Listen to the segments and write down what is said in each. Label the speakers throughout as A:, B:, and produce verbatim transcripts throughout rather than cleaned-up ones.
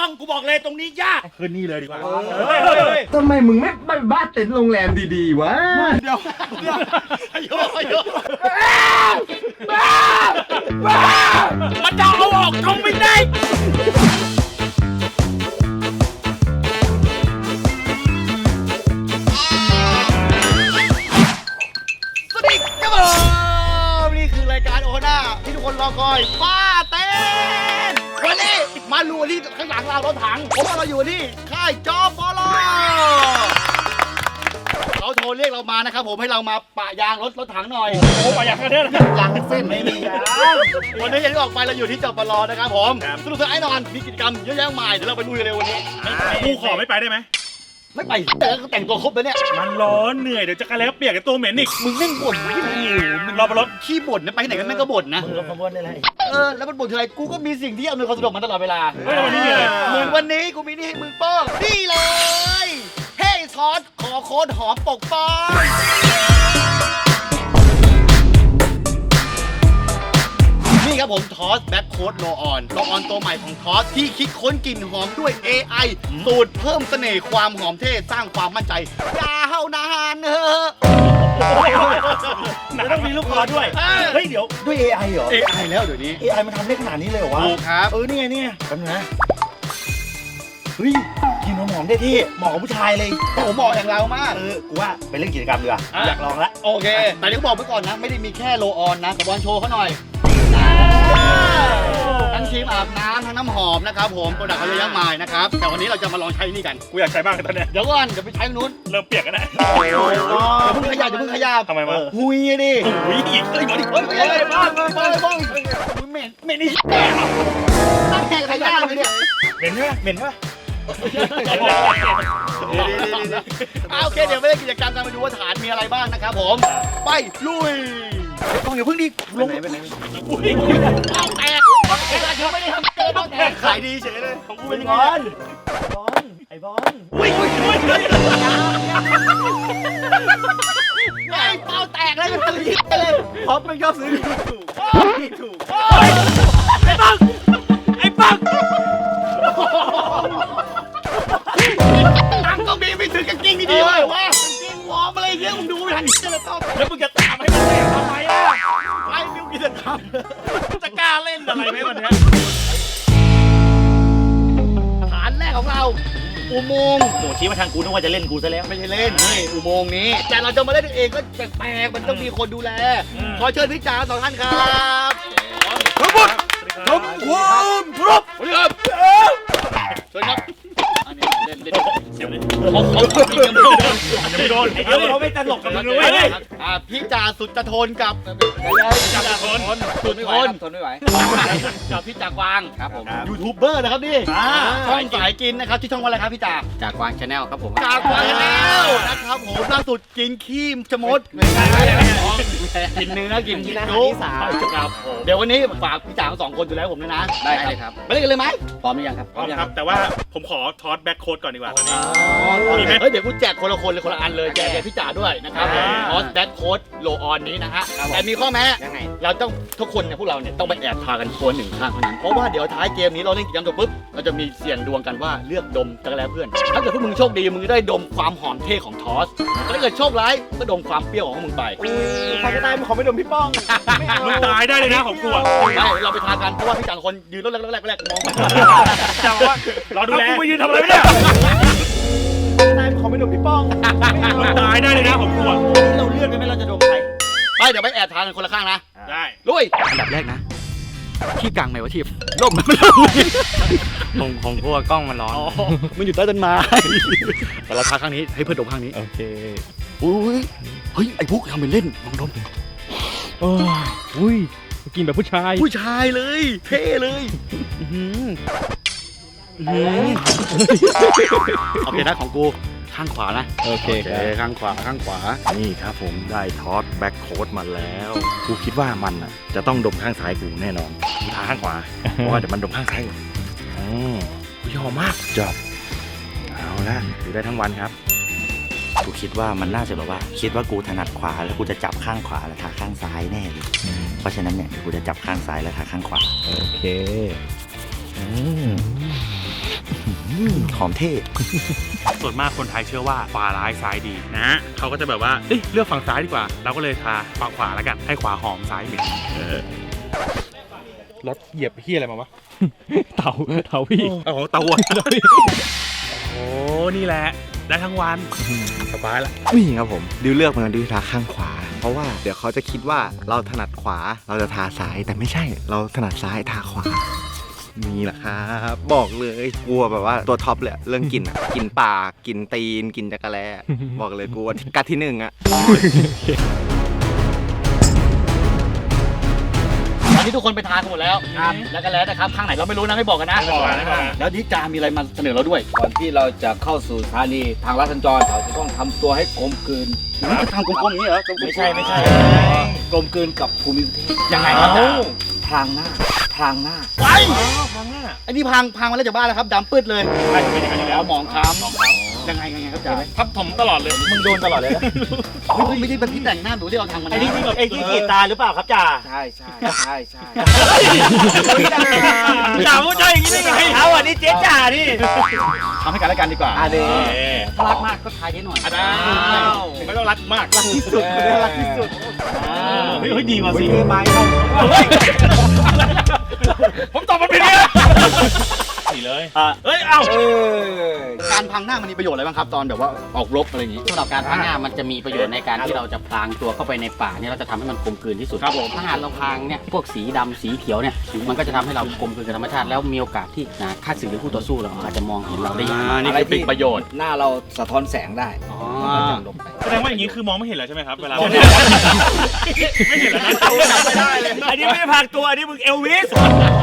A: ป้องกูบอกเลยตรงนี้ยากคืนนี้เลยดีกว่า
B: ทำไมมึงไม่ไปบ้านเต็นท์โรงแรมดีๆวะ
A: เดี๋ยวเดี๋ยวอายุอายุมันจะเอาออกทงไม่ได้สวัสดีครับผมนี่คือรายการโอน่าที่ทุกคนรอคอยป้าเต้นวันนี้มาลูที่ข้างหลังเรารถถังเพราะว่าเราอยู่ที่ค่ายจอปลอเขาโทรเรียกเรามานะครับผมให้เรามาปะยางรถรถถังหน่อยโอ้ปะยางกันเนี่ยยางเส้นไม่มียางวันนี้อย่างที่ออกไปเราอยู่ที่จอปลอนะครับผมสนุกสนานแน่นอนมีกิจกรรมเยอะแยะมากเดี๋ยวเราไปลุยกันเลยวันนี้กูขอไม่ไปได้ไหมไม่ไปแต่ก็แต่งตัวครบแล้วเนี่ยมันร้อนเหนื่อยเดี๋ยวจะกระแล้วเปียกกับตัวเหม็นอีกมึงแม่งบ่นที่มึงมึงรอรถขี้บ่นนะไปไหนกันแม่งก็บ่นนะมึงรอขบวนได้ไรเออแล้วมันบ่นทีไรกูก็มีสิ่งที่อำนวยความสะดวกมันตลอดเวลาเฮ้ยวันนี้เลยเหมือนวันนี้กูมีนี่ให้มึงป้องนี่เลยเฮ้ยซอสขอโค้ดหอมปกป้องนี่ครับผมทอสแบ็คโค้ดโลออนโลออนตัวใหม่ของทอสที่คิดค้นกลิ่นหอมด้วย เอ ไอ สูตรเพิ่มเสน่ห์ความหอมเท่สร้างความมั่นใจยาวนานเนอะแล้วต้องมีลูกคอด้วยเฮ้ยเดี๋ยว
B: ด้วย เอ ไอ เหรอ
A: เอ ไอ แล้วเดี๋ยวนี้
B: เอ ไอ มันทำได้ขนาดนี้เลยเหรอวะ
A: ถูกครับ
B: เออนี่ไงนี่ไงแป๊บนึงนะเฮ้ยกินหอมๆได้ที่เหมาะกับผู้ชายเลย
A: โอ้โหเหมาะอย่างเรามาก
B: เออกูว่าไปเล่นกิจกรรมดีกว่าอยากลองละ
A: โอเคแต่เดี๋ยวบอกไว้ก่อนนะไม่ได้มีแค่โลออนนะกับบอลโชว์เขาหน่อยทั้งครีมอาบน้ำทั้งน้ำหอมนะครับผมโปรดักต์เขาเยอะแยะมากนะครับแต่วันนี้เราจะมาลองใช้นี่กันกูอยากใช้บ้างตอนนี้เดี๋ยวก่อนเดี๋ยวไปใช้นู้นเริ่มเปียกกันนะอย่าเพิ่งขยับอย่าเพิ่งขยับ
B: ทำไมวะ
A: หุยดิหุยอีกเฮ้ยมาดิเฮ้ยเฮ้ยบ้างบ้างบ้างบ้างเหม็นเหม็นนี่ตั้งแข่งขยับเลยเนี่ย
B: เหม็นใช่ไหมเหม็นใช่ไหม
A: โอเคเดี๋ยวไปเล่นกิจกรรมกันไปดูว่าฐานมีอะไรบ้างนะครับผมไปลุยต้องอย่าเพิ่งดิลงไปไหนอุ้ยเอาแตกเขาไม่ได้ทำเกินต้องแตกขายดีเฉยเลยของกูเป็น
B: บอลบอลไอ้บอล
A: อุ้ยอุ้ยอุ้ยไอ้เป้าแตกเลยมันทำยิ่งเลยพอมันชอบซื้อถูกถูกไอ้ปังไอ้ปังตังก็มีไม่ถึงกางเกงดีๆเลยวะกางเกงวอร์มอะไรเงี้ยมึงดูไม่ทันเลยต้องแล้วมึงจะตามให้มันได้ทำไมอ่ะไปมิวกิจกรรมจะกล้าเล่นอะไรไหมวันนี้ฐานแรกของเราอุโมงค์
B: โหชี้มาทางกูนึกว่าจะเล่นกูซะแล้ว
A: ไม่ใช่เล่นนี่อุโมงค์นี้แต่เราจะมาเล่นเองก็แปลกๆมันต้องมีคนดูแลขอเชิญพี่จ๋าสองท่านครับทั้งหมดทำความครบสวัสดีครับเชิญครับเล่นเล่นเสียวเลยเขาเขาจริงยังไม่โดนยังไม่โดนไอ้เดี๋ยวเขาไม่ตลกกับมึงเลยอ่าพี่จ่าสุดจะทนกับจ่าทนสุดทน
C: ทนไม่ไหว
A: กับพี่จ่ากวาง
C: ครับผม
A: ยูทูบเบอร์นะครับนี่ช่องสายกินนะครับที่ช่องว่าอะไรครับพี่จ่า
C: จากวางชาแนลครับผม
A: จ่ากวางชาแนลนะครับผมล่าสุดกินขี้ชะมดกินเนื้อกินกินนุ๊กเดี๋ยววันนี้ฝากพี่จ่าสองคนดูแลผมด้วยนะ
C: ได้เลยครับ
A: ไปเล่นกันเลยไหม
C: พร้อมหรือยังครับ
D: พร้อมครับแต่ว่าผมขอทอสแบ็คโค้ดก่อนดีกว่า
A: มีไหมเฮ้ยเดี๋ยวกูแจกคนละคนเลยคนละอันเลยแจกแจกพี่จ่าด้วยนะครับทอสแบ็คโค้ดโลออนนี้นะฮะแต่มีข้อแม้
C: ยังไง
A: เราต้องทุกคนเนี่ยพวกเราเนี่ยต้องไปแอบทากันคนหนึ่งข้างเท่านั้นเพราะว่าเดี๋ยวท้ายเกมนี้เราเล่นกิจกรรมจบปุ๊บเราจะมีเสี่ยงดวงกันว่าเลือกดมจักรแลเพื่อนถ้าเกิดพวกมึงโชคดีมึงจะได้ดมความหอมเท่ของทอสถ้าเกิดโชคร้ายก็ดมความเปรี้ยวของมึงไป
B: ใครก็ได้มึงขอไม่ดมพี่ป้อง
D: มึงตายได้เลยนะของกูอ่ะ
A: ได้เราไปทากันเพราะว่าพี่จ่าคนยืนรถแรกแรกแรกมอง
D: จ่าว่าเราดูแลกูไปยืนทำอะไรเนี่ย
B: นายขอไม่ดมพี่ป้อง
D: มึงตายได้เลยนะของกูอ่ะ
B: เราเลือกได้ไหมเราจะดมใคร
A: ไปเดี๋ยวไปแอบทากันคนละข้างนะ
D: ได้
A: ลุยอันดับแรกนะที่กลางไหมวะทีร่มมันไม่ร่ม
B: ของของพวกกล้องมันร้อน
A: มันอยู่ใต้ต้นไม้แต่เราทาข้างนี้ให้เพื่อนดมข้างนี้
B: โอเค
A: อุ้ยเฮ้ยไอ้พวกทำเป็นเล่นลองดม
B: โอ้ยกินแบบผู้ชาย
A: ผู้ชายเลยเท่เลยโอเคนะของกูข้างขวานะ
B: โอเค
A: ข้างขวาข้างขวานี่ครับผมได้ทอสแบ็คโค้ดมาแล้วกูคิดว่ามันอ่ะจะต้องดมข้างซ้ายกูแน่นอนกูทาข้างขวาเพราะว่าเดี๋ยวมันดมข้างซ้ายอืมยอมมากจบเอาละอยู่ได้ทั้งวันครับกูคิดว่ามันน่าจะแบบว่าคิดว่ากูถนัดขวาแล้วกูจะจับข้างขวาแล้วทาข้างซ้ายแน่เลยเพราะฉะนั้นเนี่ยกูจะจับข้างซ้ายแล้วทาข้างขวา
B: โอเคอืมหอมเท่
D: ส่วนมากคนไทยเชื่อว่าขวาร้ายซ้ายดีนะเขาก็จะแบบว่าเอ้ยเลือกฝั่งซ้ายดีกว่า เราก็เลยทาฝั่งขวาแล้วกันให้ขวาหอมซ้ายเหม็นรถเหยียบเฮียอะไรมาวะ
C: เต่าเต่าพี่
D: โอ้โหเตาอ่ะโอ้นี่แหละได้ทั้งวันสบายละ
B: นี่ครับผมดิวเลือกมาดิวทาข้างขวา เพราะว่าเดี๋ยวเขาจะคิดว่าเราถนัดขวาเราจะทาซ้ายแต่ไม่ใช่เราถนัดซ้ายทาขวานี่แหละครับบอกเลยกลัวแบบว่าตัวท็อปเลยเรื่องกลิ่นอะกลิ่นปากกลิ่นตีนกลิ่นจักรแลบอกเลยกลัวกัดที่หนึ่งอะ
A: ตอนนี้ทุกคนไปทานกันหมดแล้วครับแล้วก็แล้วนะครับข้างไหนเราไม่รู้นะไม่บอกกันนะ
D: ไม่บอกนะไม่บอกนะ
A: แล้วนิจามีอะไรมาเสนอเราด้วย
E: ก่อนที่เราจะเข้าสู่สถานีทางลัดสัญจรเราจะต้องทำตัวให้กลมกลืน
A: นี่จะทำกลมๆอย่างนี้เหรอ
E: ไม่ใช่ไม่ใช่กลมกลืนกับภูมิประเทศ
A: ยังไงครับจ๊ะ
E: พรางหน้าพรางหน้า
A: ไปไอ้นี่พังพังมาแล้วจากบ้านแล้วครับดำปืดเลย
D: ใช่เป็นอย่างนั้นอยู่แล้ว
A: เอาหมองคล้ำยังไงยังไงครับจ๊ะ
D: ทับถมตลอดเลย
E: มึงโดนตลอดเลยนะ
A: เฮ้ยไม่ใช่เป็นที่แต่งหน้าหนูที่เราทำมันนะ
B: ไอ้นี่ไอ้ที่กรีดตาหรือเปล่าครับจ่า
E: ใช่ใช่ใช่ใช่
D: จ่าพูดใจอย่างนี้ได้ไง
B: เอาอันนี้เจ๊จ่านี่
A: ทำให้กันและกันดีกว่า
E: อ่ะเด
A: ถ้ารักมากก็ทายเยอะหน่อย
D: อ้าวไม่ต้องรักมากรักที่สุด
A: รักที่สุด
D: เฮ้ยเฮ้ยดีกว่าสิ
B: เทไม้เข้า
D: ผมตอบมันผิดเนี่ยสีเลยเฮ้ยเอ้า
E: เออ
A: การพังหน้ามันมีประโยชน์อะไรบ้างครับตอนแบบว่าออกรบอะไรอย่างนี้
F: สำหรับการพรางหน้ามันจะมีประโยชน์ในการที่เราจะพรางตัวเข้าไปในป่าเนี่ยเราจะทำให้มันกลมกลืนที่สุด
A: ครับผม
F: ถ้าหากเราพรางเนี่ยพวกสีดำสีเขียวเนี่ยมันก็จะทำให้เรากลมกลืนกับธรรมชาติแล้วมีโอกาสที่นะข้าศึกหรือคู่ต่อสู้เราอาจจะมองเห็นเราได้ยาก
A: อ่านี่คือเป็นประโยชน์
E: หน้าเราสะท้อนแสงได้
F: อ๋อ
E: จะลบไป
D: แสดงว่าอย่างนี้คือมองไม่เห็นแล้วใช่ไหมครับเวลา
A: ไม่
D: ไม่เห็นแล้วนะ
A: ไม่ได้เลย
B: อันนี้ไม่ได้พากตัวอันนี้มึงเอลวิส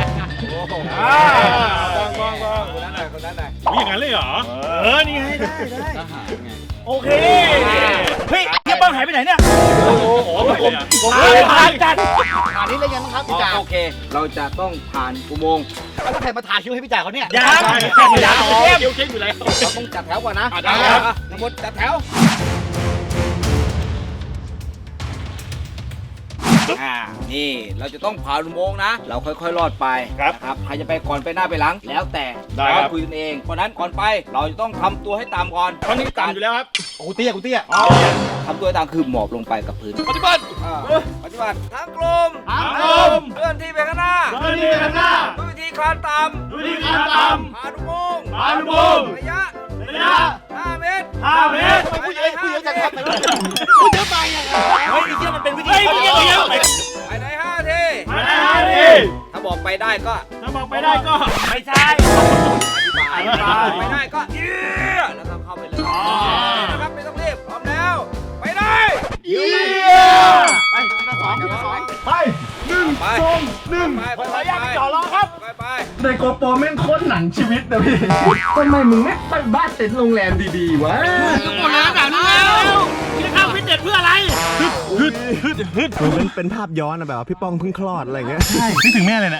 E: ว่างว่างว่างคนนั้นหน่อยคนนั้นหน่อย
D: อุ๊ยอย่างนั้นเลยเหรอเออนี่ไงได้ได้
F: ทหารไง
B: โอเคเฮ้ยเฮียป้องหายไปไหนเนี่ย
D: โอ้โหไปเลยอ่ะ
B: หายผ่านจัด
A: อันนี้เลยยังนะครับพี่จ๋า
E: โอเค เราจะต้องผ่านอุโมงค์
A: แล้วใครมาทาคิ้วให้พี่จ๋าเขาเนี่ย
B: ยัง
D: ได้
B: ยัง
D: เดี๋ยวเดี๋ยวเช็คอยู่แล้ว
E: เราต้องจัดแถวก่อนนะ
A: อ่ะได้ครับ
E: อ่ะทั้งหมดจัดแถว อ่า นี่เราจะต้องผ่านอุโมงค์นะ เราค่อยๆลอดไป
D: ครับ
E: นะครับ ใครจะไปก่อนไปหน้าไปหลัง แล้วแต่
D: ได้ครับ
E: เราคุยกันเอง เพราะฉะนั้นก่อนไป เราจะต้องทำตัวให้ต่ำก่อน
D: ตอนนี้ต่ำอยู่แล้วครับ
A: โอ้โหเตี้ยกูเตี้ย
E: ทำตัวให้ต่ำคือหมอบลงไปกับพื้น
D: ปฏิบัติ
E: อ่าปฏิบัติทั้งกลม
A: ทั้งกลม
E: เคลื่อนที่ไปข้างหน้า
D: ตอนนี้ข้างหน้า
E: ด้วยวิธีคลานต่
D: ดูดีขาต่
E: ำผ่านอุโมงค์
D: ำผ่านอุโมงค์
E: ระยะ
D: ระยะ
E: ห้าเมตร
D: ห้าเมตร
A: ทำไมผู้หญิงผู้หญิงจะทำไปเลยพูดเยอะไปอ่ะ
B: เฮ้ยไอ้เฮียมันเป็นวิธี
D: เฮ้ยเดี๋ยวเดี๋ยว
E: ภายในห้าที
D: มาได้ดิ
E: ถ้าบอกไปได้ก็
D: ถ้าบอกไปได้ก็
B: ไม่ใช่
E: ไปไม่ได้ก็เยี่ยแล้วก็เข้าไปเลยนะครับไม่ต้องรีบพร้อมแล้ว ไปได้
A: เยี่ยไปทีละสองทีละสอง
E: ไปหนึ่งสองหนึ่งไปไปไปไปจ่อรอครับไปไป
G: ในโกโปรแม่งโคตรหนังชีวิตนะพี่ ทำไมมึงไม่ไปบ้านเต็นท์โรงแรมดีๆวะ
A: ทุกคนนะแบบนี้แล้ว
D: จะเข้าฟิตเนสเพื่ออะไร
G: มันเป็นภาพย้อนอะแบบว่าพี่ป้องเพิ่งคลอดอะไรเงี้ย
D: นึกถึงแม่เลยนะ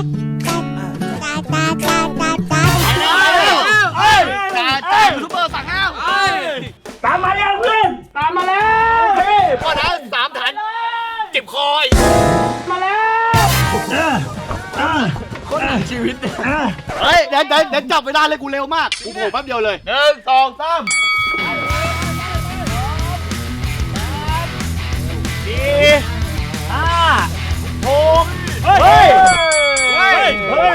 A: จ่าจ่ายูทูบเบอร์สั่งห้าม
B: ตามมาแล้วเพื่อนตามมาแล้ว
A: พอนะสามฐานเจ็บคอย
B: มาแล้ว
A: เฮ้ยเดี๋ยวเดี๋ยวเดี๋ยวจับเวลาเลยกูเร็วมากกูโผล่แป๊บเดียวเลยหนึ่งสองสาม
B: ห้าหกเฮ้ยเฮ้ยเฮ้ย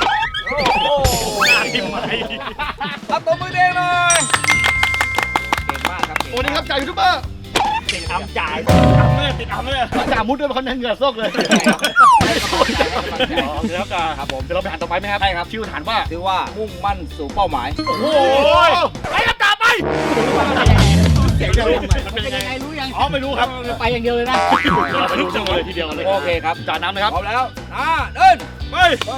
E: เอาตัวมือเด้งหน่อยเก่งมากครับ
A: โอ้นี่ครับจ่ายูทูบเบอร์
B: ติดอำจ่าย
D: ติดอัมเลย
A: จ่ามุดด้วยเขาเน้นเหงื่อซกเลยแล้วกัน
E: ครับผม
A: เดี๋ยวเราไปหันต่อไปไหมครับใช่ครับชื่อฐานว่า
E: ถือว่ามุ่งมั่นสู่เป้าหมาย
A: โอ้โหไปครับจ่าไปมันเป็นยังไงรู้ยัง
D: อ๋อไม่รู้ครับ
A: ไปอย่างเดียวเลยนะเราไปดูจังเลยทีเดียวเลย
E: โอเคครับ
A: จ่าน้ำนะครับ
E: พร้อมแล้วอ่าเดิน
D: ไป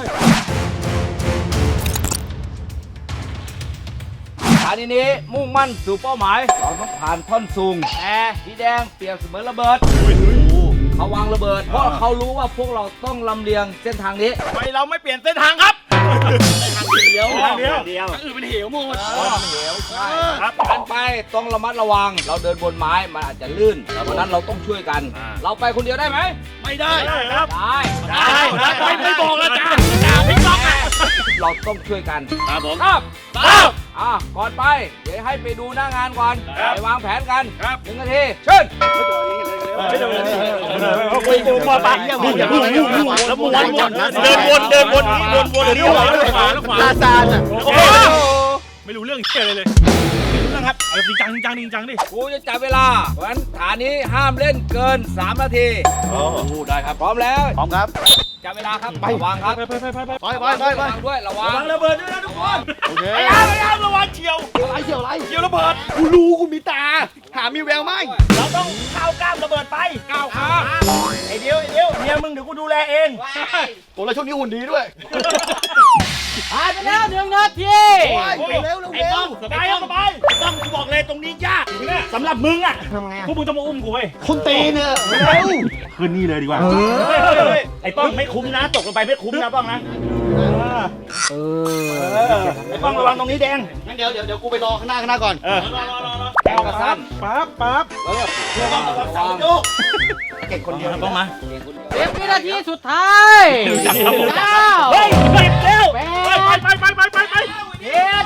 E: ฐานนี้มุ่งมั่นสู่เป้าหมาย เราต้องผ่านท่อนสูงแต่สีแดงเปรียบเสมือนระเบิดเขาวางระเบิด เพราะเขารู้ว่าพวกเราต้องลำเลียงเส้นทางนี้
D: ไปเราไม่เปลี่ยนเส้นทางครับ
A: เดียว
D: ทางเดียว
B: เดียว
A: อื่นเป็นเหวหมด
E: ใช่ครับการไปต้องระมัดระวัง เราเดินบนไม้มันอาจจะลื่นเพราะนั้นเราต้องช่วยกัน เราไปคนเดียวได้ไหม
A: ไม่ได้
D: ได้ครับ
E: ได้
D: ได้ครับไม่ไม่บอกแล้วจ้าจ้าพี่ก๊อกอ่ะ
E: เราต้องช่วยกัน
A: ครับผม
E: ครับ
A: ไป
E: อ่ะก่อนไป เดี๋ยวให้ไปดูหน้างานก่อน
D: ครับ
E: ไปวางแผนกัน
D: ครับ
E: หนึ่งนาทีเชิญ
D: ไม่เดินคุยกูมาปะอย่าพูดแล้ววนวนเดินวนเดินวนวนวนเลี้ยวขวาแล้วขวาแล้วขวา
B: ลาซานอ่ะ
D: โอ้ไม่รู้เรื่องเชี่ยเลยเลยไม่รู้เรื่องครับเอาจริงจังจริงจังจริงจังดิ
E: กูจะจับเวลาเพราะฉะนั้นฐานนี้ห้ามเล่นเกินสามนาที
A: โอ้
E: ได้ครับพร้อมแล้ว
A: พร้อมครับ
E: จับเวลาครับระวังครับ
D: ไปไปไปไปไป
A: ไปไปไป
E: ระ
A: ไป
E: วังด้วยระวัง
D: ระวังระเบิดด้วยนะทุกคน
A: โอเค
D: ไอ้ยามไอ้ยามระวังเฉียว
A: อะไรเกี่ยวอะไร
D: เฉียวระเบิด
A: กูรู้กูมีตา หามีแววไหม
D: เราต้องเข้ากล้ามระเบิดไปก้าวขาไอ้เดียวไอ้เดียวเมียมึงเดี๋ยวกูดูแลเอง
A: โอ้แล้วช่วงนี้หุ่นดีด้วย
F: ผ่านไปแล้วหนึ่งนาที
A: เร็วเร็ว
D: ไอ้ต้องสบายสบายต้องกูบอกเลยตรงนี้ยากสำหรับมึงอ่ะ
A: ทำไง
D: พวกมึงต้องมาอุ้มกูเว้ย
A: คนตีเนี่ยเร็ว
D: คืนนี้เลยดีกว่าไอ้ต้องไม่คุ้มนะตกลงไปไม่คุ้มนะต้องนะเออไอ้ต้องระวังตรงนี้แดง
A: งั้นเดี๋ยวเดี๋ยวเดี๋ยวกูไปรอข้างหน้าข้างหน้าก่อน
D: เออ
E: แก้วกระสั้น
D: ปั๊บปั๊บ
E: ระวังระวัง
A: เก่งคนเดียว
D: ต้องมา
F: เจ็ดวินาทีสุดท้ายเก้า
D: เฮ้ยสิบเร็ว
F: แป
D: ไป
F: ด
D: ไปไปไปไปไป
F: เจ็ด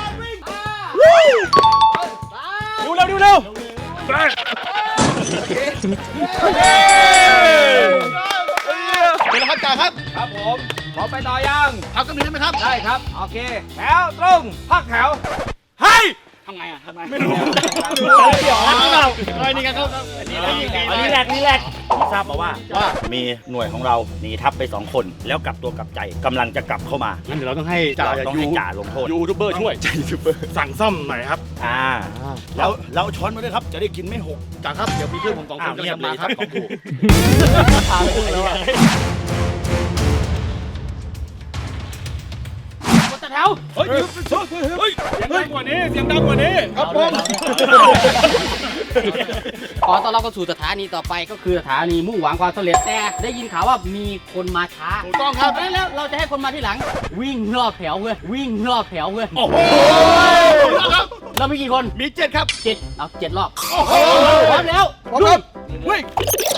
D: ดูเร็วดูเร็วไป
A: เป็นแล้วครับจ่าครับ
E: ครับผมพร้อมไปต่อยัง
A: พักกันหนึ่งได้ไหมครับ
E: ได้ครับโอเคแถวตรงพักแถว
D: เฮ้ย
F: ทำไงอ่ะทำไง
D: ไม่รู้
A: เดี๋ยวนะเฮ้ยนี่กันเขา
D: อันนี้แหลกนี่แหลกทราบมาว่าว่ามีหน่วยของเราหนีทัพไปสองคนแล้วกลับตัวกลับใจกำลังจะกลับเข้ามา
A: งั้นเดี๋ยวเราต้องให้จ่า
D: เราต้องให้จ่าลงโทษ
A: ยูทูบเบอร์ช่วยจ่ายูทูบเบอร์
D: สั่งซ่อมหน่อยครับอ่า
A: แล้วแล้วช้อนมาด้วยครับ จะได้กินไม่หกจ่าครับ เดี๋ยวมีเพื่อนผมสองคนกำลังจะมาครับสองคู่
D: พาไปขึ้นแล้ว
F: กดแถว
D: เฮ้ยเฮ้ยเสียงดังกว่านี้เสียงดังกว่านี้
A: ครับผม
F: ขอต้อนรับเข้าสู่สถานีต่อไปก็คือสถานีมุ่งหวังความสำเร็จแต่ได้ยินข่าวว่ามีคนมาช้า
A: ถูกต้องครับ
F: ดังนั้นแล้วเราจะให้คนมาที่หลัง วิ่งรอบแถวเว้ยวิ่งรอบแถวเว้ย
D: โอ้โห
A: ครับ
F: เรามีกี่คน
A: มีเจ็ดครับ
F: เจ็ดเอาเจ็ดรอบ
A: โอ้โห
F: พร้อมแล้ว
A: พร้อมครับเฮ้ย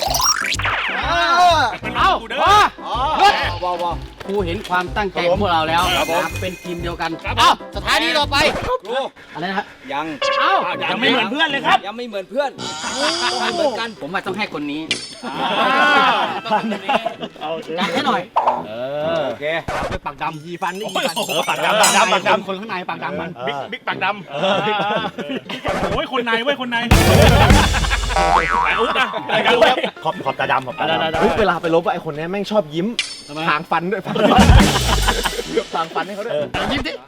F: เอาพอหยุด
E: ว้าวว้าว
F: ครูเห็นความตั้งใจของพวกเราแล้วนะครับเป็นทีมเดียวกันเอาสถานีต่อไป
E: ครู
F: อะไรนะฮะ
E: ยัง
F: เอา
D: ยังไม่เหมือนเพื่อนเลยครับ
E: ยังไม่เหมือนเพื่อนต้องให้เหมือนกัน
F: ผมว่าต้องให้คนนี้
D: อ่า
F: ต้องให้คนนี้จัดให้หน่อย
E: โอเค
F: ไปปากดำยีฟันนี่
D: เออปากดำปากดำปากดำ
F: คนข้างในปากดำมัน
D: บิ๊กบิ๊กปากดำโอ้ยคนในเว้ยคนในอุ๊บนะขอบขอบตาดำขอบตาดำ
B: เฮ้ยเวลาไปลบอะไอคนเนี้ยแม่งชอบยิ้มหางฟันด้วยฟันหางฟันให้เขาด้วย
A: ยิ้มสิ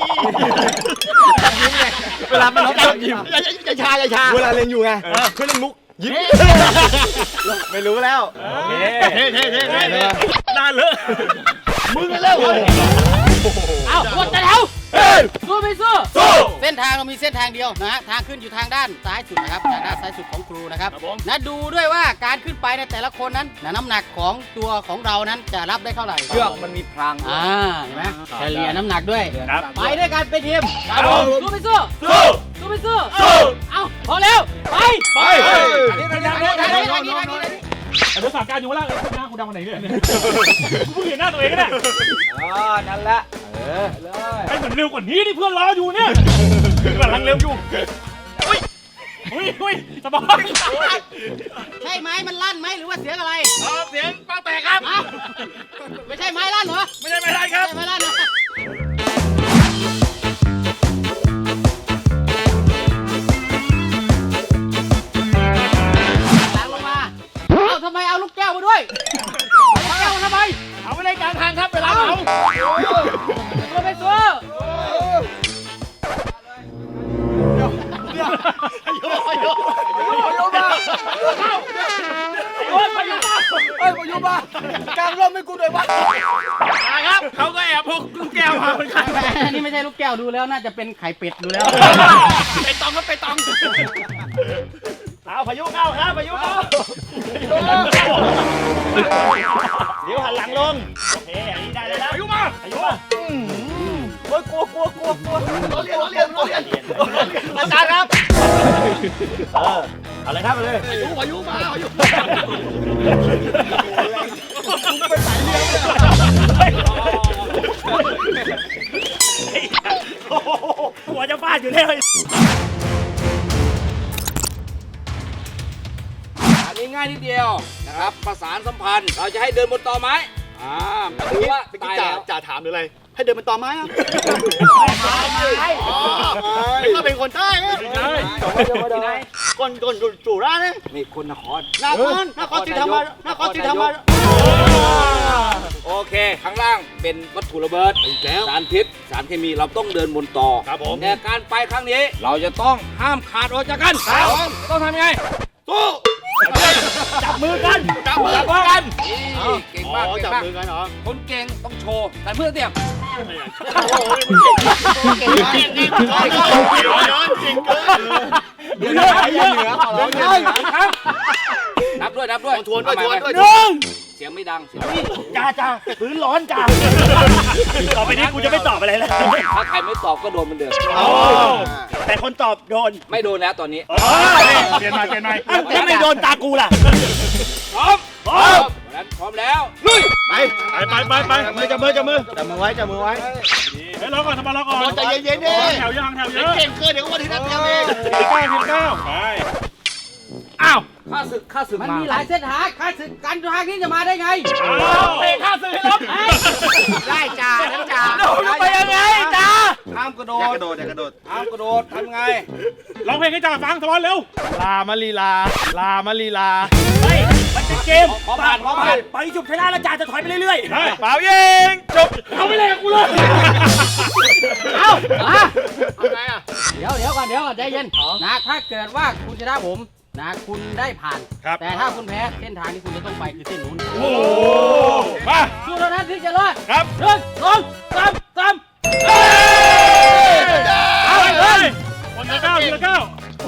B: เวลาไปลบชอบยิ้ม
A: อย่าชาอย่าชา
B: เวลาเรียนอยู่ไงเพื่อนเล่นมุกยิ้มไม่รู้แล้ว
D: โอเค
A: เท่เท่เท่เท่เท่
D: น่าเลอะ
A: มึงกันแล้ว
F: เอากดแต่แถวสู้ไม่สู้เส้นทางเรามีเส้นทางเดียวนะฮะทางขึ้นอยู่ทางด้านซ้ายสุดนะครับทางด้านซ้ายสุดของครูนะครับนะดูด้วยว่าการขึ้นไปในแต่ละคนนั้นนะน้ำหนักของตัวของเรานั้นจะรับได้เท่าไหร่
E: เชือกมันมีพราง
F: อ่าเห็นไหมเฉลี่ยน้ำหนักด้วย
D: ครับ
F: ไปด้วยกันเป็นทีมสู้ไม่สู้
D: สู้
F: สู้ไม่สู้เอาพอแล้วไป
D: ไป
E: อันนี้เป็นยังไง
F: ทางนี้ทางนี้ทางนี้
D: ไอ้ภาษาการอยู่ว่าล่างเลยคุณหน้าคุณดำวันไหนเนี่ยกูเพิ่งเห็นหน้าตัวเองนะ
E: อ๋อนั่นแหละเออเลย
D: ไอ้เหมือนเร็วกว่านี้ที่เพื่อนรออยู่เนี่ยกำลังเร็วอยู่อุ้ยอุ้ยอุ้ยสบาย
F: ใช่ไหมมันลั่นไหมหรือว่าเสียงอะไร
D: เสียงปังแตกครับ
F: อ้าวไม่ใช่ไม้ลั่นเหรอ
D: ไม่ได้ไม่ได้ครับ
F: ไม่ใช่ไม้ลั่นนะล้างลงมาเอาทำไมเอาลูกแก้วมาด้วยเอาลูกแก้วมาทำไม
D: เอาไปในกลางทางครับเวลาเอา
F: ตัวไปตัว
D: โอ้ยพายุมา
E: เฮ้ยพายุมากลางร่มให้กูด้วยวะ
D: ครับเขาก็แอบพกลูกแก้วมาเหมือนกัน
F: อันนี้ไม่ใช่ลูกแก้วดูแล้วน่าจะเป็นไข่เป็ดดูแล้ว
D: ไปตองก็ไปตองเอาพายุเข้าครับพายุเข้าเดี๋ยวหันหลังลงโอเคอันนี้ได้แล้วพายุมาพายุมา
E: โอ้ยกลัวกลัวกลัวกลัว
A: เราเรียนเราเรียนเราเรียน
D: อาจารย์ครับเออเอาเลยครับเอาเลย
A: พายุพายุมาพายุ
D: หัวจะฟาดติอยู่แล้ว
E: อันนี้ง่ายนิดเดียวนะครับประสานสัมพันธ์เราจะให้เดินบนตอไม้อ่าดูว่า
A: เมื่อกี้
E: ตาย
A: จ่า
E: แล้ว
A: จ่าถามหรืออะไร ให้เดินเป็นตอไม้ครับอ๋อเป็นก็เป็นคนใต้ไหม
E: ที่ไหน
A: คนคนจู่ร้านนะ
E: นี่คนนคร
A: นครนครศรีธรรมราชนครศรีธรรมราช
E: โอเค ข้างล่างเป็นวัตถุระเบิด
A: แล้ว
E: สารพิษสารเคมีเราต้องเดินบนต่อ
A: ครับผม
E: แต่การไปครั้งนี้เราจะต้องห้ามขาดออกจากกันต้องทำยังไง
A: สู้
D: จับมือกัน
A: จับมือ
E: จับมือกันนี่เก่ง
A: อ๋
E: มาก
A: อ
E: เก่ง
A: จับ
E: มาก
A: มือกันเหรอ
E: คนเก่งต้องโชว์แต่เพื่อเตรียม
A: โอ้ยมึงเก่งเก่งเก่งเก่งเก่งเก่งเก่งเกิน
E: เดี๋ยวนะเยอะเหนือเราครับนับด้วยนับด้วย
A: ทวนด้วยทวนด้วย
D: หนึ่ง
E: เสียงไม่ดังเสียงไม่ดัง
D: จ้าจ้าพื้นร้อนจ้าต่อไปนี้กูจะไม่ตอบอะไรแล้ว
E: ถ้าใครไม่ตอบก็โดนเหมือนเดิม
D: แต่คนตอบโดน
E: ไม่โดนแล้วตอนนี้
D: เปลี่ยนมาเปลี่ยนมาถ้าไม่โดนตากูล่ะ
E: พร้อมพร้อมนั้นพร้อมแล้วลุย
A: ไป
D: ไปไปไปไปจับมือจับมือจับมือ
A: จับมือไว้จับมือไว้
D: เฮ้ยรอก่อนทำมา รอก่อน
A: ใจเย็นๆดิ
D: แถวยังแถวเยอะ
A: เก่งเกินเดี๋ยวก็มาถึงนัดเดียวเอง
D: ทีเก้าทีเก้าไปอ้าว
E: ข้าศึกข้าศึก
F: มัน
E: มา
F: มีหลายเส้นทางข้าศึกกันทางนี้จะมาได้ไง
D: เตะข้าศึกให้ลบ
F: ได้จ่าทั้งจ่า
D: ไปยังไงจ้า
E: ห้ามกระโด
A: อย่า
E: ด
A: กระโดดอย่ากระโดด
E: ห้ามกระโดดทำไง
C: ร้องเพลงให้จ่าฟังทอนเร็ว
D: ลามาลีลา ลามาลีลา
C: เฮ้ยมันเป็นเกม
E: ขอผ่านขอผ่าน
D: ไปจุบชนะแล้วจ่าจะถอยไปเรื่อยๆ
C: ได้
D: เปล่ายิงจบเอาไปเลยกับกูเลย
F: เอามา
A: ทำไงอ่ะ
F: เดี๋ยวเดี๋ยวก่อนเดี๋ยวก่อนใจเย็นนะถ้าเกิดว่าคุณชนะผมนะคุณได้ผ่าน
D: ครับ
F: แต่ถ้าคุณแพ้เส้นทางที่คุณจะต้องไปคือเส้นนู้น
D: โอ้มา
F: สู้เท่านั้นที่จะรอด
D: ครับ
F: หนึ่งสองสามสาม
C: เอาเลยคนละเก้าทีละเก้า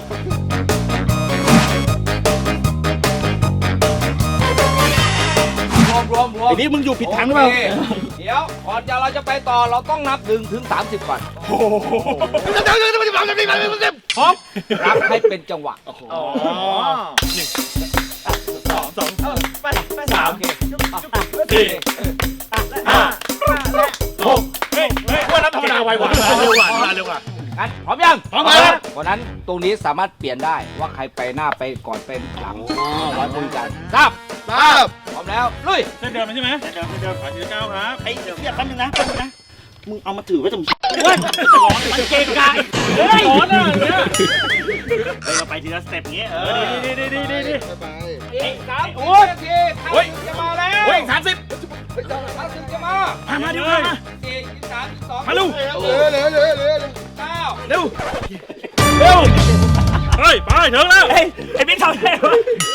E: รวมรวมรวม
D: ไอ้นี่มึงอยู่ผิดทางหรือเปล่า
E: โอคเดี๋ยวก่อนจะเราจะไปต่อเราต้องนับหนึ่งถึงสามสิบก่อน
D: โอ้โห
E: พร้อมรับให้เป็นจังหวะ
D: อ๋อหนึ่งสองสองไปไปสาม
E: โอเค
D: สี่ห้าหกเฮ้ยเฮ้ยว่านับธรรมดาไวกว่าเร็วกว่าเร็วกว่า
E: งั้นพร้อมยัง
A: พร้อมครับ
E: เพราะนั้นตรงนี้สามารถเปลี่ยนได้ว่าใครไปหน้าไปก่อนเป็นหลังร้อยคุยกันทราบ
A: ทราบ
E: พร้อมแล้วลุย
C: เส้นเดิมใช่ไหมเส้นเดิมเส้นเดิมขอทีละเก้าครับ
D: ไอ้เดี๋ยวแป๊บนึงนะแป๊บนึงนะ มึงเอามาถือไว้ตรงเฮ้ยมันเกะกะเฮ้ย
C: ร้อนอ่ะเนี่ย
D: เฮ้ยเราไปทีละสเต็ปงี้เออดีดีดีดีดี
E: อีกสาม
D: โอ้ย
E: นาที
D: เฮ้ย
E: จะมาแล้ว
D: เฮ้ยสามสิบ
E: ข้าศึกจะมา
D: มามาดิมามา
E: สี่ยี่สามยี่สอง
D: มาลูก
A: เหลือเหลือเหลือเหลือ
E: เก้า
D: เร็วเร็ว
C: เฮ้ย ไปถึงแล้ว
D: เฮ้ยไอ้บิ๊กทำอะไรวะ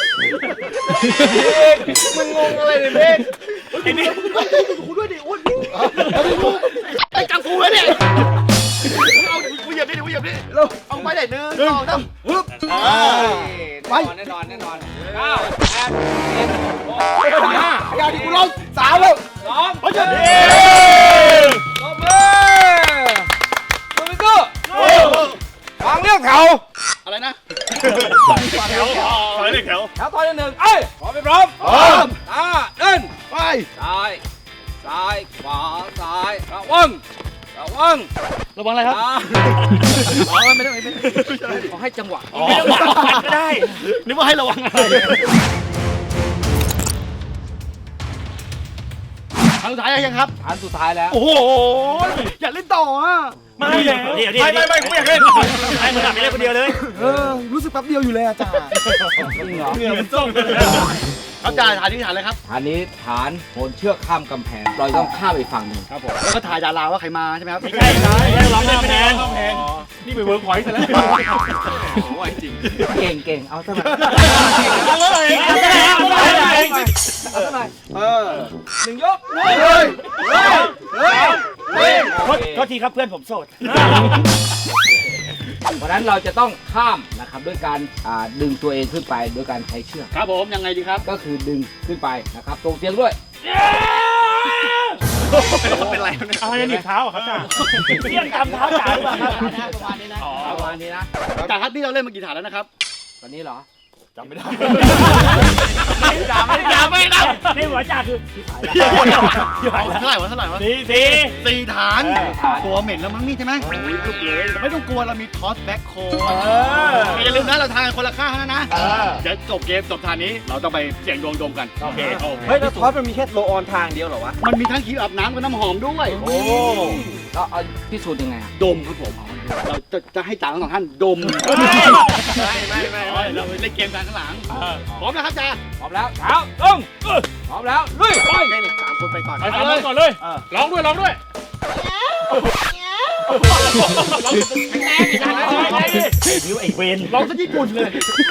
A: มึงงงอะไรเนี่ยเบก
D: ไอ้บิ๊ก
A: กูด้วยดิอ้วนไอ้กังฟูเลยเนี่ยเอากูเหยียบดิกูเหยียบดิเอาไปไหนหนึ่งสองสามฮึบ
E: ไปแน่นอนแน่นอนเก้าแปดเจ็ดหก
A: ห้าอย่าดิกูลงสามแล้ว
E: สอง
D: เฮ้ยเฮ้ย
E: ตบมือมือไปสู้วางเรียกแถว
A: อะไรนะ
C: แถวถอยเลยแถว
E: แถวตอนที่หนึ่งเอ้ยพร้อมไปพร้อม
A: พร้อม
E: อ่าเดิน
A: ไป
E: ซ้าย ซ้าย ขวา ซ้าย ระวัง ระวัง
D: ระวังอะไรครับ
E: อ่าอ๋อไม่ได้ไม่ได้ขอให้จังหวะ
D: ไม่ต้องวางปัดก็ได้ นึกว่าให้ระวังอะไร
A: ครั้งสุดท้ายยังครับ
E: อันสุดท้ายแล้ว
D: โอ้โห
A: อย่าเล่นต่ออ่ะ
D: ไม่เดี๋ยวเดี๋ยวไม่ไม่ไม่กูอยากเล่นให้มึงทำไปเล่นคนเดียวเลย
A: เออรู้สึกแป๊บเดียวอยู่เลยอาจารย์
E: จริงเหรอ
D: เหงื่อมันส้ม
A: ครับอาจารย์ฐานที่ฐานอะไรครับ
E: ฐานนี้ฐานโหนเชือกข้ามกำแพง เราต้องข้ามไปฝั่งหนึ่ง
A: ครับผมแล้วก็ถ่ายดาราว่าใครมาใช่ไหมครับ
D: ไม่ใช่ใช่ร้องเล่นคะแนนนี่ไปเวิร์กพอยต์ซะแล้ว
A: โอ้ยจริง
E: เก่งเก่งเอาเท่าไหร่
D: เอาเลยเอาเลยเอาเลย
E: เอาเท่าไหร่
A: เออ
E: หนึ่งยก
A: เฮ้ยเฮ้ยเฮ้ยเฮ้ย
D: โทษโทษทีครับเพื่อนผมโสด
E: เพราะฉะนั้นเราจะต้องข้ามนะครับด้วยการอ่าดึงตัวเองขึ้นไปโดยการใช้เชือก
A: ครับผมยังไงดีครับ
E: ก็คือดึงขึ้นไปนะครับตรงเสียงด้วย
A: เป็นไร
C: อะไรหนีบเท้าครับจ้า
D: เที่ยงกำเท้าจ่ายหรือเปล่าครับ
F: ประมาณนี้นะ
E: ประมาณนี้นะ
A: อาจารย์ครับนี่เราเล่นมากี่ฐานแล้วนะครับ
E: ตอนนี้เหรอ
A: จำไม่ได้
D: จ่าไม่จ่าไม่นับในหัวจ่าคือ
A: เท่าไหร่วะเท่าไหร่วะ
D: สี่สี่
A: สี่ฐาน ตัวเหม็นแล้วมั้งนี่ใช่ไหมลูกเลยไม่ต้องกลัวเรามีทอสแบ็คโคอย่าลืมนะเราทานคนละข้างนะนะเดี๋ยวจบเกมจบฐานนี้เราต้องไปเสี่ยงดวงดมกันโอเค
B: เฮ้ยแล้วทอสมันมีแค่โลออนทางเดียวเหรอวะ
A: มันมีทั้งครีมอาบน้ำกับน้ำหอมด้วย
B: โอ้
E: แล้วเอาพิสูจน์ยังไงอะ
A: ดมครับผมเราจะจะให้จ่าทั้งสองท่านดม
B: ไม่ไม่ไม่ไม่
A: เราเล่นเกมกันข้างหลังพร้อมนะครับจ่า
E: พร้อมแล้วเท้าลงพร้อมแล้วลุยไป
B: สามคนไปก่อน
C: ไปทำมันก่อนเลยร้องด้วยร้องด้วย
D: นิ้วไอ้เวน
A: ลองซะญี่ปุ่นเลย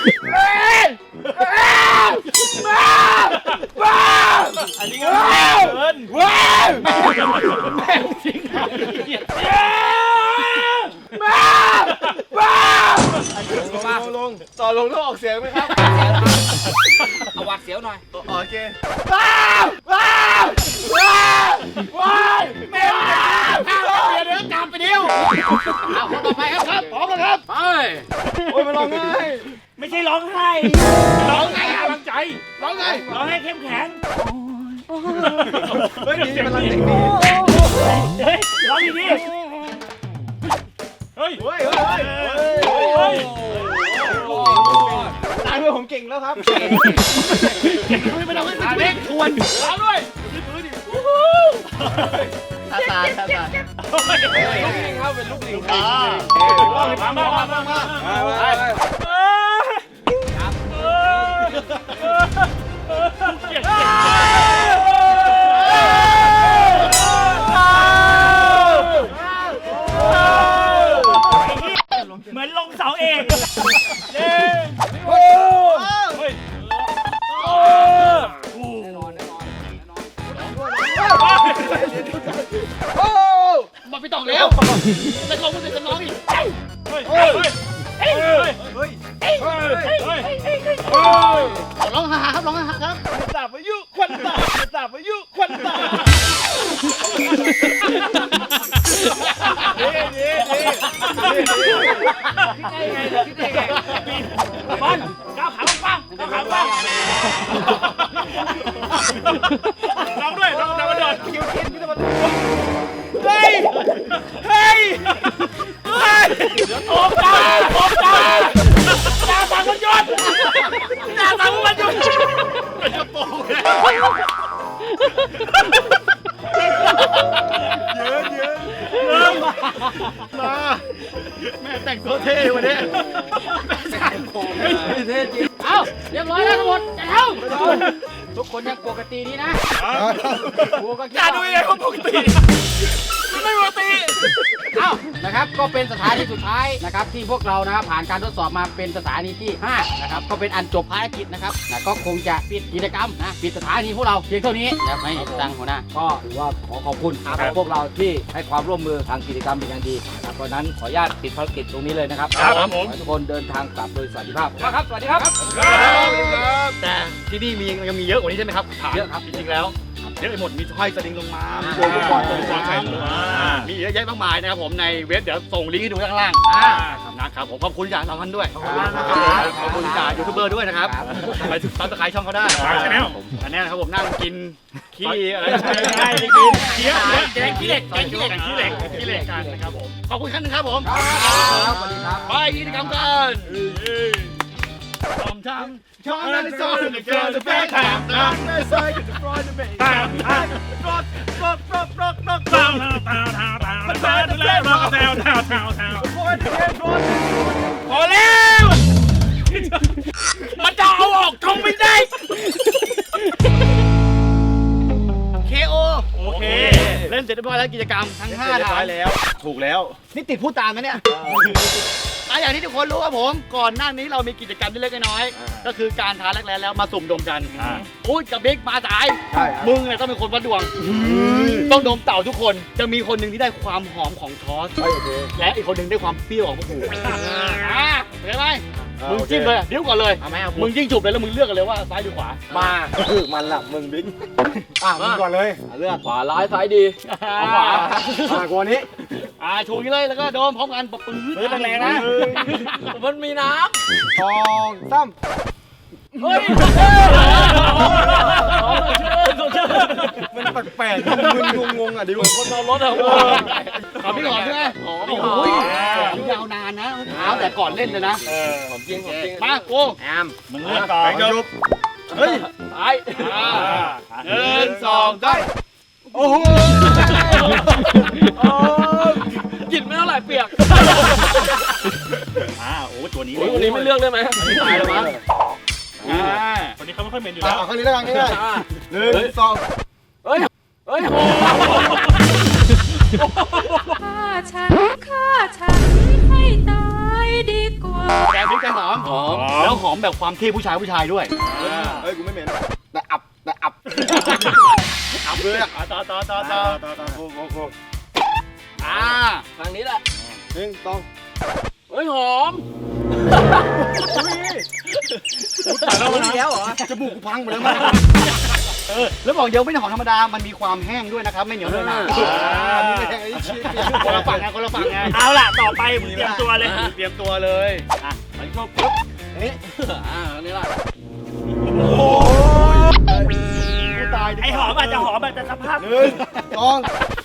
D: อันนี้ก็เกินว้าวแม่จริงมาว้าวลงลงต่อลงต้องออกเสียงไหมครับ
E: เอาหวัดเสียวหน่อย
B: โอเค
D: ว้าวว้าวว้าวว้าวแม่เดี๋ยวเดี๋ยวกลับไปเดียว
F: เอาคนต่อไปครับครับ
D: พร้อมแล้วครับ
F: ไป
B: โอ้ยมันร้องง่าย
D: ไม่ใช่ร้องไห้ร้องไห้กำลังใจ
A: ร้องไง
D: ร้องให้เข้มแข็ง
B: เฮ้ยดีมันรังเด็กดี
D: เฮ้ยร้องดี
C: เฮ้ย
B: เฮ้ยเฮ้ยเฮ้ย
D: เฮ้ย
B: ตายด้วยผมเก่งแล้วครับ
A: ไม่ต้องไม่ต้องไม่ทวน
D: ร้องด้วย
B: ตาตาตาตา
E: ลูกลิงครับเป็นลูกลิง
A: อ่า
D: มามามามามา เหมือนลงเสาเอกเย้โอ้เฮ้ยโอ้
E: แน่นอนแน่นอนแน่นอน
A: โอ้มาไปต่อแล้วจะลงมันจะร้องอีก
C: เฮ้ย เฮ้ย เฮ้ย เฮ้ย เฮ้ย เฮ้ย
A: ร้องฮ่าครับร้องฮ่าครับ
D: สาบอายุควันตาสาบอายุควันตาเย้เย้เย้คิดได้ไงคิดได้ไงบอลก้าวขาปังก้าวขาปังร้องด้วยร้องดาวดอนคิวคิดพี่ตะวันเฮ้ยเฮ้ยเฮ้ยโอ้ตาโอ้ตาตาสังมันหยุดตาสังมันหยุด
A: เป็นกระโปรงเลยเยอะเยอะเยอะมาแม่แต่งตัวเท่วันนี้แม่แต่งผม
E: เท่จริง
F: เอาเรียบร้อยแล้วทั้งหมดจะเท่าทุกคนยังปกติดีนะกูก็คิด
D: อย่าดู
F: ว่า
D: ยังไงเขาปกติไม่ปกติ
F: เอ้านะครับก็เป็นสถานีสุดท้ายนะครับที่พวกเรานะครับผ่านการทดสอบมาเป็นสถานีที่ห้านะครับก็เป็นอันจบภารกิจนะครับนะก็คงจะปิดกิจกรรมนะปิดสถานีพวกเราเพียงเท่านี้แล้วไม่ตังหัวหน้าก็ถือว่าขอขอบคุณนะครับพวกเราที่ให้ความร่วมมือทางกิจกรรมเป็นอย่างดีนะครับเพราะฉะนั้นขออนุญาตปิดภารกิจตรงนี้เลยนะครับ
C: ครับผม
F: ขอให้ทุกคนเดินทางกลับโดยสวัสดิภาพครับสวัสดีครับ
A: แต่ที่นี่มียังมีเยอะกว่านี้ใช่ไหมครับถาม
F: เยอะครับ
A: จริงๆแล้วเยอะไปหมดมีห้อยสลิงลงมามีโดนลูกบอลลงมามีเยอะแยะมากมายนะครับผมในเว็บเดี๋ยวส่งลิงก์ให้ดูข้างล่างนะครับผมขอบคุณจากท่านด้วยขอบคุณจากยูทูบเบอร์ด้วยนะครับไปซับสไครต์ช่องเขาได้
C: ฝากชาแนล
A: อันนี้นะครับผมนั่งกินขี้อะไร
D: ใช่ได้กินเคี้ยว
A: แกงขี้เหล็กแกงขี้เหล็กขี้เหล็กขี้เหล็กกันนะครับผมขอบคุณขั้นนึงครับผม
F: ครับสวัสดีครับ
A: ไปกิจกรรมกันทำทำช่องนั้นซ้อนเกินจะแพ้ทางทางไม่ใช่ก็จะปล่อยจะไม่
C: ตามตามรถรถรถรถรถตามตามตามตามมันมาแล้วรถแถวแถวแถวแถว
D: พอแล้วมันจะเอาออกทงไม่ได้
A: เคโอ
C: โอเค
A: เล่นเสร็จเรียบร้อยแล้วกิจกรรมทั้งห้าฐานแล้ว
B: ถูกแล้ว
A: นี่ติดพูดตามนะเนี่ยอ่ะอย่างที่ทุกคนรู้ครับผม ก่อนหน้านี้เรามีกิจกรรมที่เล็กๆน้อยๆก็คือการท้าแรกแล้วมาสุ่มดมกันพูดกับบิ๊กมาสาย
B: ใช่
A: มึงเนี่ยต้องเป็นคนวัดดวง ต้องดมเต่าทุกคน จะมีคนหนึ่งที่ได้ความหอมของทอส
B: โอเค
A: และอีกคนหนึ่งได้ความเปรี้ยวของพวกกูอ่าเห็นไหม
B: อ่า
A: มึง
B: โอเค
A: จิ้มเลยดิ้วก่อนเลย
B: เอาไหมเอา
A: มึงยิ่งจุบเลยแล้วมึงเลือกกันเลยว่าซ้ายหรือขวา
B: มาคือมันละมึงบิ๊กอ่ะมึงก่อนเลย
E: เลือกขวาร้ายซ้ายดี
A: เอาขวา
B: อ่ะกว่านี้
A: อ่าชูนี้เลยแล้วก็โดมพร้อมกันปะปื้ด
D: เฮ้ยแรงๆนะ
E: มันมีน้
B: สองสาม
E: เฮ้ย
B: มันแปลกๆมึนงงๆอ่ะดิว
E: คนเอารถอะ
A: ขอพี่หอมใช่ไหมหอมโอ้ยยาวนานนะเท้าแต่ก่อนเล่นเลยนะ
E: ของจริงของจริง
A: มาโก้
C: มึงเลือกก่อน
B: จบ
A: เฮ้ย
E: ตาย
A: หนึ่งสองสามโอ้โห
E: กินไม่เท่าไหร่เปียก
C: อ่าโอ้ตัวนี้
E: วันนี้ไม่เลือกได้ไหม
A: ตายแล้วมั้ง
C: อ่าคนนี้เขาไม่ค่อยเหม็นอยู่แล้ว
B: เอาครั้งนี้แล้วกันง่ายๆหนึ่งสอง
E: เฮ้ย เฮ้ย
H: ฆ่าฉันฆ่าฉันให้ตายดีกว่า
A: แกงพริกแกงหอมหอมแล้วหอมแบบความเท่ผู้ชายผู้ชายด้วย
B: เฮ้ยกูไม่เหม็นแต่อับแต่อับ
A: อับเลยอ่ะ
C: ต่อต่อต่อต่อ
B: ต่อต่อโอ้โหโอ้โห
A: อ่า
E: ทางนี้แหละ
B: หนึ่งสอง
E: เฮ้ย หอม
A: เราแล้วเหรอจมูกกูพังหมดแล้วมั้งเออแล้วบอกเดี๋ยวไม่ใช่หอมธรรมดามันมีความแห้งด้วยนะครับไม่เหนียวเลยนะ
B: อันนี้ไม่ใช่ไอ้ชี้
A: คนละฝั่งไงคนละฝั่งไง
C: เอาล่ะต่อไปมึงเตรียมตัวเลย
A: เตรียมตัวเลย
C: อ่ะไปครบปุ๊บ
E: อ่านี่แหละ
A: กูตายดีกว่า
C: ไอหอมอาจจะหอมแต่สภาพ
B: หนึ่งสอง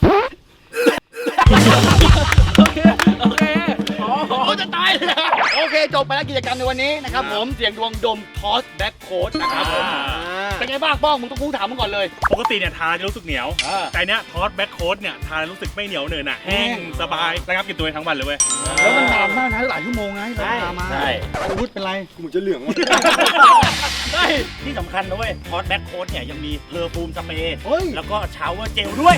E: โอเค โอเค หอมหอม
A: โอ้จะตายเลยอะโอเคจบไปแล้วกิจกรรมในวันนี้นะครับผมเสียงดวงดมทอสแบ็คโค้ดนะครับผมเป็นไงบ้างป้องมึงต้องกูถามมึงก่อนเลย
C: ปกติเนี่ยทาจะรู้สึกเหนียว แต่เนี้ยทอสแบ็คโค้ดเนี่ยทารู้สึกไม่เหนียวเหนอะหนะแห้งสบายระงับกลิ่นตัวเองทั้งวันเลยเว้ย
A: แล้วมันนานมากนะหลายชั่วโมงนะเราตามมา
C: ใช่
A: ไอ้วุฒิเป็นไร
B: กูเหมือนจะเหลืองว่ะ
C: ใช่ที่สำคัญนะเว้ยทอสแบ็คโค้ดเนี่ยยังมีเพอร์ฟูมสเปรย์
A: เฮ้ย
C: แล้วก็ชาวเวอร์เจลด้วย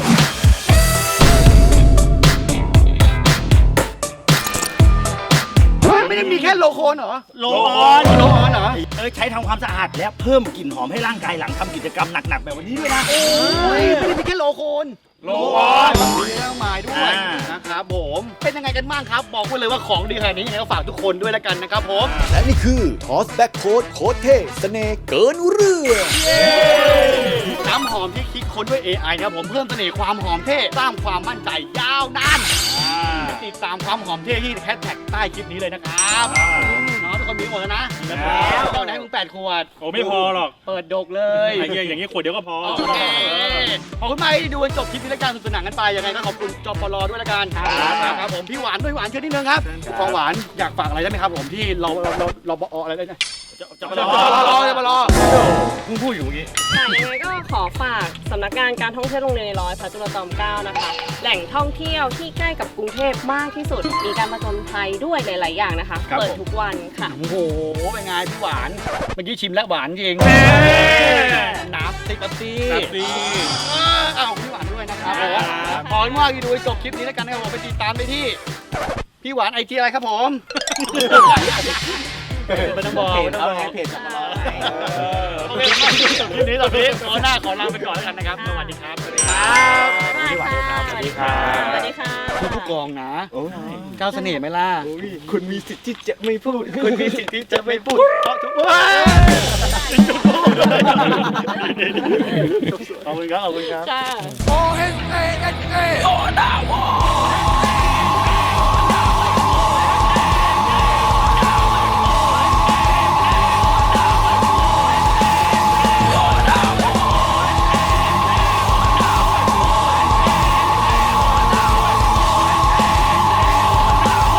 A: ไม่ได้มีแค่โลโคนเหรอ
C: โลออน
A: โลออนเหรอ
C: เอ้ยใช้ทำความสะอาดและเพิ่มกลิ่นหอมให้ร่างกายหลังทำกิจกรรมหนักๆแบบวันนี้ด้วยนะ
A: โอ้ยไม่ได้มีแค่โลโคน
C: โลออน
A: มีเรื่องหมายด้วย
C: อ่า
A: นะครับผมเป็นยังไงกันบ้างครับบอกไว้เลยว่าของดีขนาดนี้ยังไงก็ฝากทุกคนด้วยแล้วกันนะครับผม
I: และนี่คือทอสแบ็คโค้ดโค้ดเท่เสน่ห์เกินเรื่อง
A: น้ำหอมที่คิดค้นด้วย เอ ไอ นะครับผมเพิ่มเสน่ห์ความหอมเท่สร้างความมั่นใจยาวนานติดตามความหอมเท่ที่แฮชแท็กใต้คลิปนี้เลยนะครับเนาะทุกคนมีหมดแล้วนะแล้วเท่าไหนมึงแปดขวด
C: โอ้ไม่พอหรอก
A: เปิดดกเลย
C: ไอ้เงี้ยอย่างงี้ขวดเดียวก็พอ
A: โอเคขอบคุณมากที่ดูจนจบคลิปนี้แล้วกันสนุกสนานกันไปยังไงก็ขอบคุณจปลด้วยแล้วกันครับผมพี่หวานด้วยหวานเชิญนิดนึงครับฟองหวานอยากฝากอะไรได้ไหมครับผมที่เราเราเราเราบออะไรได้ไหม
C: จะจะ
A: จ
C: มา
A: ป
C: ร
A: ล
C: อ
A: จปลมึงพูดอยู่เมื่อกี้
J: ค่ะยังไงก็ขอฝากสำนักงานการท่องเที่ยวโรงเรียนในร้อยพระจุลจอมเกล้านะคะ แหล่งท่องเที่ยวที่ใกล้กับกรุงเทพมากที่สุด มีการผจญภัยด้วยหลาย ๆ อย่างนะคะ เปิดทุกวันค่ะ
A: โอ้โหเป็นไงพี่หวานเมื่อกี้ชิมแล้วหวานจริงน้ำติ๊กซี่
C: ครับดี
A: อ้าวพี่หวานด้วยนะครับผมขอบคุณมากที่ดูจบคลิปนี้แล้วกันนะครับผมไปติดตามได้ที่พี่หวานไอจีอะไรครับผมไม่ต้องบอกไม่ต้องบอก
B: เพจจปล
A: โอเคขอบคุณจบคลิปนี้ตอนนี้ขอหน้าขอลาไปก่อนแล้วกันนะครับสวัสดีครับสวัสดีครับ
J: สวัสดีค่ะ
A: สวัสดีครับ
J: สวัสดีค่ะ
A: คุณผู้กองนะก้าวเสน่ห์ไหมล่ะ
B: คุณมีสิทธิ์ที่จะไม่พูด
A: คุณมีสิทธิ์ที่จะไม่พูดเพราะทุกคนขอบคุณครับขอบคุณครับ
J: ค่ะ
I: โอเอสเอเอสเอโอดาว